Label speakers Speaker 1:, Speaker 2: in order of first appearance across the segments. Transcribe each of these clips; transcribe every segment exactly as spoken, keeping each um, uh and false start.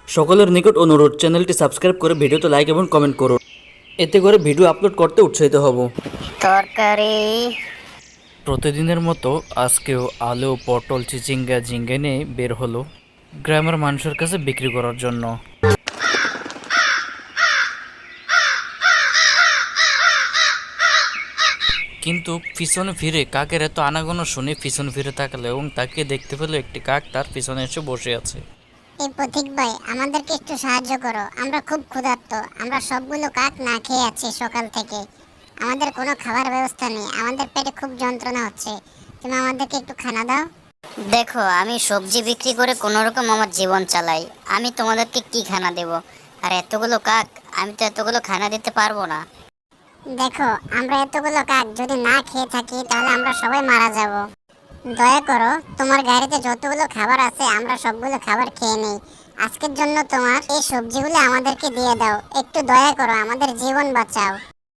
Speaker 1: সকলের নিকট অনুরোধ, চ্যানেলটি সাবস্ক্রাইব করে ভিডিওতে লাইক এবং কমেন্ট করুন, এতে করে ভিডিও আপলোড করতে উৎসাহিত হব।
Speaker 2: তরকারি।
Speaker 1: প্রতিদিনের মতো আজকেও আলু, পটল, চিচিঙ্গা, ঝিঙ্গে নিয়ে বের হলো গ্রামের মানুষের কাছে বিক্রি করার জন্য। কিন্তু পিছনে ফিরে কাকের এত আনাগোনা শুনে পিছনে ফিরে তাকালো এবং তাকে দেখতে পেল একটি কাক তার পিছনে এসে বসে আছে।
Speaker 2: এই পথিক ভাই, আমাদেরকে একটু সাহায্য করো, আমরা খুব ক্ষুধার্ত। আমরা সবগুলো কাক না খেয়ে আছি সকাল থেকে। আমাদের কোনো খাবার ব্যবস্থা নেই, আমাদের পেটে খুব যন্ত্রণা হচ্ছে। তুমি আমাদেরকে একটু খানা দাও। দেখো, আমি সবজি বিক্রি করে কোনো রকম আমার জীবন চালাই। আমি তোমাদেরকে কি খানা দেব? আর এতগুলো কাক, আমি তো এতগুলো খানা দিতে পারবো না। দেখো, আমরা এতগুলো কাক যদি না খেয়ে থাকি তাহলে আমরা সবাই মারা যাব। দয়া করো, তোমার গাড়িতে যতগুলো খাবার আছে আমরা সবগুলো খাবার খেয়ে নেই। আজকের জন্য তোমার এই সবজিগুলো আমাদেরকে দিয়ে দাও। একটু দয়া করো, আমাদের জীবন বাঁচাও।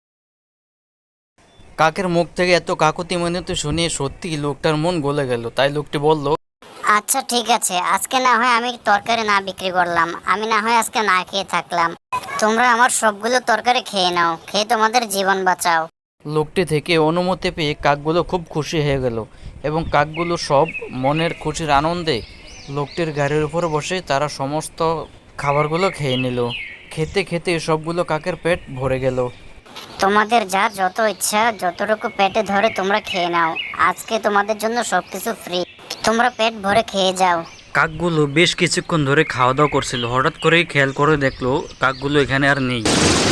Speaker 1: কাকের মুখ থেকে এত কাকুতি মিনতি শুনে সত্যি লোকটার মন গলে গেল। তাই লোকটি বলল,
Speaker 2: আচ্ছা ঠিক আছে, আজকে না হয় আমি তরকারি না বিক্রি করলাম, আমি না হয় আজকে না খেয়ে থাকলাম। তোমরা আমার সবগুলো তরকারি খেয়ে নাও, খেয়ে তোমাদের জীবন বাঁচাও।
Speaker 1: লোকটি থেকে অনুমতি পেয়ে কাকগুলো খুব খুশি হয়ে গেল এবং কাকগুলো সব মনের খুশির আনন্দে লোকটির গাড়ির উপর বসে তারা সমস্ত খাবারগুলো খেয়ে নিল। খেতে খেতে সবগুলো কাকের পেট ভরে গেল।
Speaker 2: তোমাদের যা যত ইচ্ছা যতটুকু পেটে ধরে তোমরা খেয়ে নাও। আজকে তোমাদের জন্য সবকিছু ফ্রি, তোমরা পেট ভরে খেয়ে যাও।
Speaker 1: কাকগুলো বেশ কিছুক্ষণ ধরে খাওয়া দাওয়া করছিল। হঠাৎ করেই খেয়াল করে দেখলো কাকগুলো এখানে আর নেই।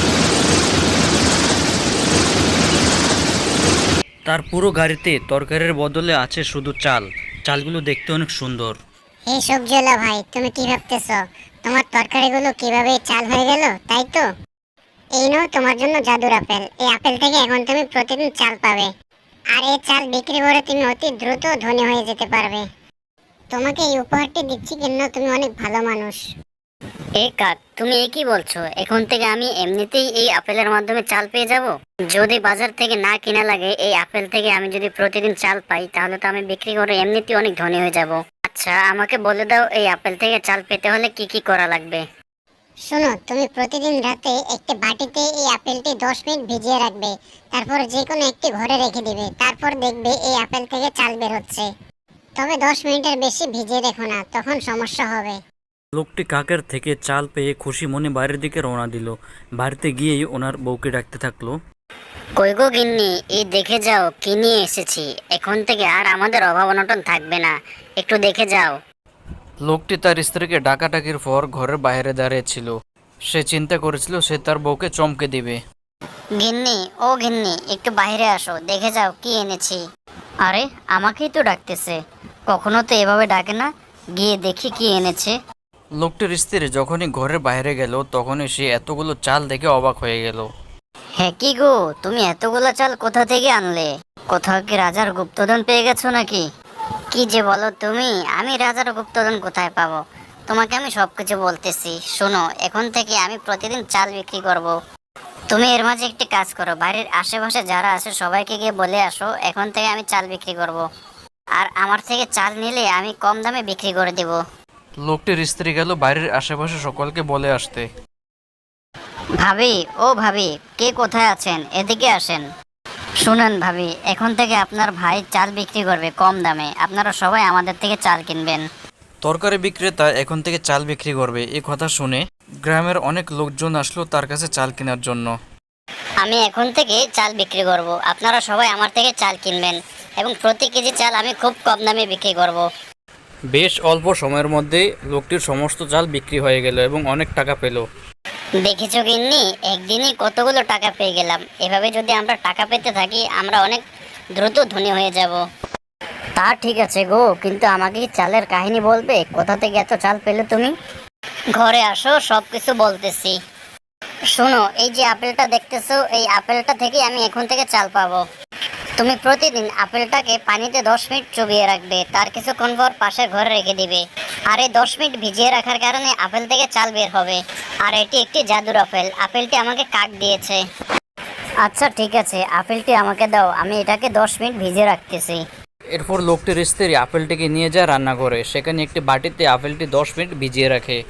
Speaker 1: তার পুরো গাড়িতে তরকারির বদলে আছে শুধু চাল। চালগুলো দেখতে অনেক সুন্দর।
Speaker 2: এই সবজিওয়ালা ভাই, তুমি কি ভাবতেছ তোমার তরকারিগুলো কিভাবে চাল হয়ে গেল, তাই তো? এই নাও তোমার জন্য জাদুর আপেল। এই আপেল থেকে এখন তুমি প্রতিদিন চাল পাবে, আর এই চাল বিক্রি করে তুমি অতি দ্রুত ধনী হয়ে যেতে পারবে। তোমাকে এই উপহারটি দিচ্ছি কেন, তুমি অনেক ভালো মানুষ। এ কাক, তুমি এ কি বলছো? এখন থেকে আমি এমনিতেই এই আপেলের মাধ্যমে চাল পেয়ে যাব? যদি বাজার থেকে না কিনা লাগে, এই আপেল থেকে আমি যদি প্রতিদিন চাল পাই তাহলে তো আমি বিক্রি করে এমনিতেই অনেক ধনী হয়ে যাব। আচ্ছা, আমাকে বলে দাও এই আপেল থেকে চাল পেতে হলে কি কি করা লাগবে। শোনো, তুমি প্রতিদিন রাতে একটি বাটিতে এই আপেলটি দশ মিনিট ভিজিয়ে রাখবে। তারপর যে কোনো একটি ঘরে রেখে দিবে। তারপর দেখবে এই আপেল থেকে চাল বের হচ্ছে। তবে দশ মিনিটের বেশি ভিজিয়ে রেখো না, তখন সমস্যা হবে।
Speaker 1: লোকটি কাকের থেকে চাল পেয়ে খুশি মনে বাড়ির দিকে রওনা দিল। বাড়িতে গিয়েই ওনার বউকে ডাকতে থাকলো,
Speaker 2: কই গো গিন্নি, এই দেখে যাও কি নিয়ে এসেছি। এখন থেকে আর আমাদের অভাব অনটন থাকবে না, একটু দেখে যাও।
Speaker 1: লোকটি তার স্ত্রীকে ডাকাডাকির পর ঘরের বাইরে দাঁড়িয়েছিল। সে চিন্তা করেছিল সে তার বউকে চমকে দিবে।
Speaker 2: গিন্নি, ও গিন্নি, একটু বাইরে আসো, দেখে যাও কি এনেছি। আরে, আমাকেই তো ডাকতেছে, কখনো তো এভাবে ডাকে না। গিয়ে দেখি কি এনেছে।
Speaker 1: লোকটির স্ত্রী যখনই ঘরের বাইরে গেল তখনই সে এতগুলো চাল দেখে অবাক হয়ে গেল।
Speaker 2: হ্যাঁ কি গো, তুমি এতগুলো চাল কোথা থেকে আনলে? কোথাও কি রাজার গুপ্তধন পেয়ে গেছো নাকি? কি যে বলো তুমি, আমি রাজার গুপ্তধন কোথায় পাবো? তোমাকে আমি সবকিছু বলতেছি। শোনো, এখন থেকে আমি প্রতিদিন চাল বিক্রি করব। তুমি এর মাঝে একটি কাজ করো, বাড়ির আশেপাশে যারা আছে সবাইকে গিয়ে বলে আসো এখন থেকে আমি চাল বিক্রি করব। আর আমার থেকে চাল নিলে আমি কম দামে বিক্রি করে দেব।
Speaker 1: লোকটির স্ত্রী গেল বাড়ির আশেপাশে সকলকে বলে আসতে।
Speaker 2: ভাবি, ও ভাবি, কে কোথায় আছেন? এদিকে আসেন। শুনেন ভাবি, এখন থেকে আপনার ভাই চাল বিক্রি করবে কম দামে, আপনারা সবাই আমাদের থেকে চাল কিনবেন।
Speaker 1: তরকারি বিক্রেতা এখন থেকে চাল বিক্রি করবে। এই কথা শুনে গ্রামের অনেক লোকজন আসলো তার কাছে চাল কেনার জন্য।
Speaker 2: আমি এখন থেকে চাল বিক্রি করব, আপনারা সবাই আমার থেকে চাল কিনবেন এবং প্রতি কেজি চাল আমি খুব কম দামে বিক্রি করব।
Speaker 1: বেশ অল্প সময়ের মধ্যে লোকটির সমস্ত চাল বিক্রি হয়ে গেল এবং অনেক টাকা পেল।
Speaker 2: দেখেছো গিন্নি, একদিনই কতগুলো টাকা পেয়ে গেলাম। এভাবে যদি আমরা টাকা পেতে থাকি আমরা অনেক দ্রুত ধনী হয়ে যাব। তা ঠিক আছে গো, কিন্তু আমাকে কি চালের কাহিনী বলবে? কোথা থেকে এত চাল পেলে তুমি? ঘরে আসো, সব কিছু বলতেছি। শোনো, এই যে আপেলটা দেখতেছো, এই আপেলটা থেকে আমি এখন থেকে চাল পাবো। তুমি প্রতিদিন আপেলটাকে পানিতে দশ মিনিট চুবিয়ে রাখবে, তার কিছুক্ষণ পর পাশের ঘরে রেখে দিবে। আর এই দশ মিনিট ভিজিয়ে রাখার কারণে আপেল থেকে চাল বের হবে। আর এটি একটি জাদুর আপেল, আপেলটি আমাকে কাক দিয়েছে। আচ্ছা ঠিক আছে, আপেলটি আমাকে দাও, আমি এটাকে দশ মিনিট ভিজিয়ে রাখতেছি।
Speaker 1: এরপর লোকটির স্ত্রী আপেলটিকে নিয়ে যায় রান্না করে। সেখানে একটি বাটিতে আপেলটি দশ মিনিট ভিজিয়ে রাখে।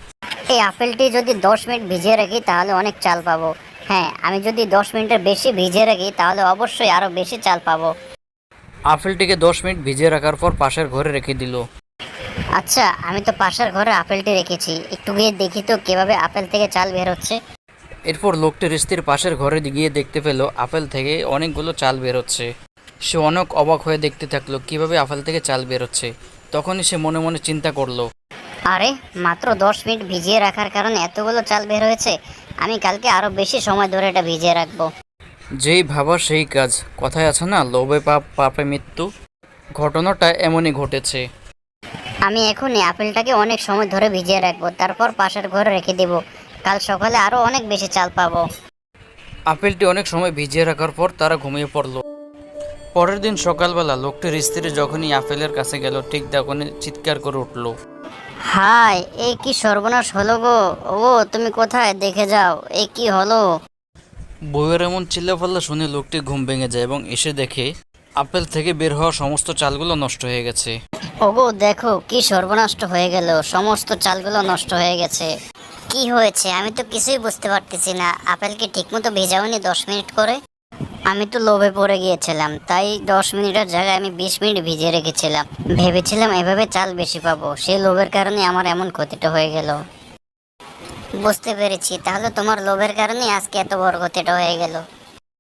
Speaker 3: এই আপেলটি যদি দশ মিনিট ভিজিয়ে রাখি তাহলে অনেক চাল পাবো। হ্যাঁ, আমি যদি দশ মিনিটের বেশি ভিজিয়ে রাখি তাহলে অবশ্যই আরও বেশি চাল পাবো।
Speaker 1: আপেলটিকে দশ মিনিট ভিজিয়ে রাখার পর পাশের ঘরে রেখে দিল।
Speaker 3: আচ্ছা, আমি তো পাশের ঘরে আপেলটি রেখেছি, একটু গিয়ে দেখি তো কিভাবে আপেল থেকে চাল বের হচ্ছে।
Speaker 1: এরপর লোকটির স্ত্রীর পাশের ঘরে গিয়ে দেখতে পেল আপেল থেকে অনেকগুলো চাল বেরোচ্ছে। সে অনেক অবাক হয়ে দেখতে থাকলো কিভাবে আপেল থেকে চাল বেরোচ্ছে। তখনই সে মনে মনে চিন্তা করলো,
Speaker 3: আরে, মাত্র দশ মিনিট ভিজিয়ে রাখার কারণে এতগুলো চাল বের হয়েছে। আমি কালকে আরও বেশি সময় ধরে এটা ভিজিয়ে রাখবো।
Speaker 1: যেই ভাবা সেই কাজ, কথায় আছে না, লোভে পাপ পাপে মৃত্যু। ঘটনাটা এমনই ঘটেছে।
Speaker 3: আমি এখনই আপেলটাকে অনেক সময় ধরে ভিজিয়ে রাখবো, তারপর পাশের ঘরে রেখে দেব। কাল সকালে আরও অনেক বেশি চাল পাবো।
Speaker 1: আপেলটি অনেক সময় ভিজিয়ে রাখার পর তারা ঘুমিয়ে পড়ল। পরের দিন সকালবেলা লোকটির স্ত্রী যখনই আপেলের কাছে গেল ঠিক তখনই চিৎকার করে উঠল,
Speaker 3: হাই, এই কি সর্বনাশ হলো গো! ও, তুমি কোথায়? দেখে যাও, এই কি হলো!
Speaker 1: বউয়ের এমন চিল্লাপাল্লা শুনে লোকটি ঘুম ভেঙে যায় এবং এসে দেখে আপেল থেকে বের হওয়া সমস্ত চালগুলো নষ্ট হয়ে গেছে।
Speaker 3: ওগো, দেখো কি সর্বনষ্ট হয়ে গেল, সমস্ত চালগুলো নষ্ট হয়ে গেছে। কি হয়েছে আমি তো কিছুই বুঝতে পারতেছি না। আপেল কি ঠিকমতো ভেজাওনি দশ মিনিট করে? আমি তো লোভে পড়ে গিয়েছিলাম, তাই দশ মিনিটের জায়গায় আমি বিশ মিনিট ভিজিয়ে রেখেছিলাম। ভেবেছিলাম এভাবে চাল বেশি পাবো, সেই লোভের কারণে আমার এমন ক্ষতিটা হয়ে গেল। বুঝতে পেরেছি, তাহলে তোমার লোভের কারণে আজকে এত বড় ক্ষতিটা হয়ে গেল।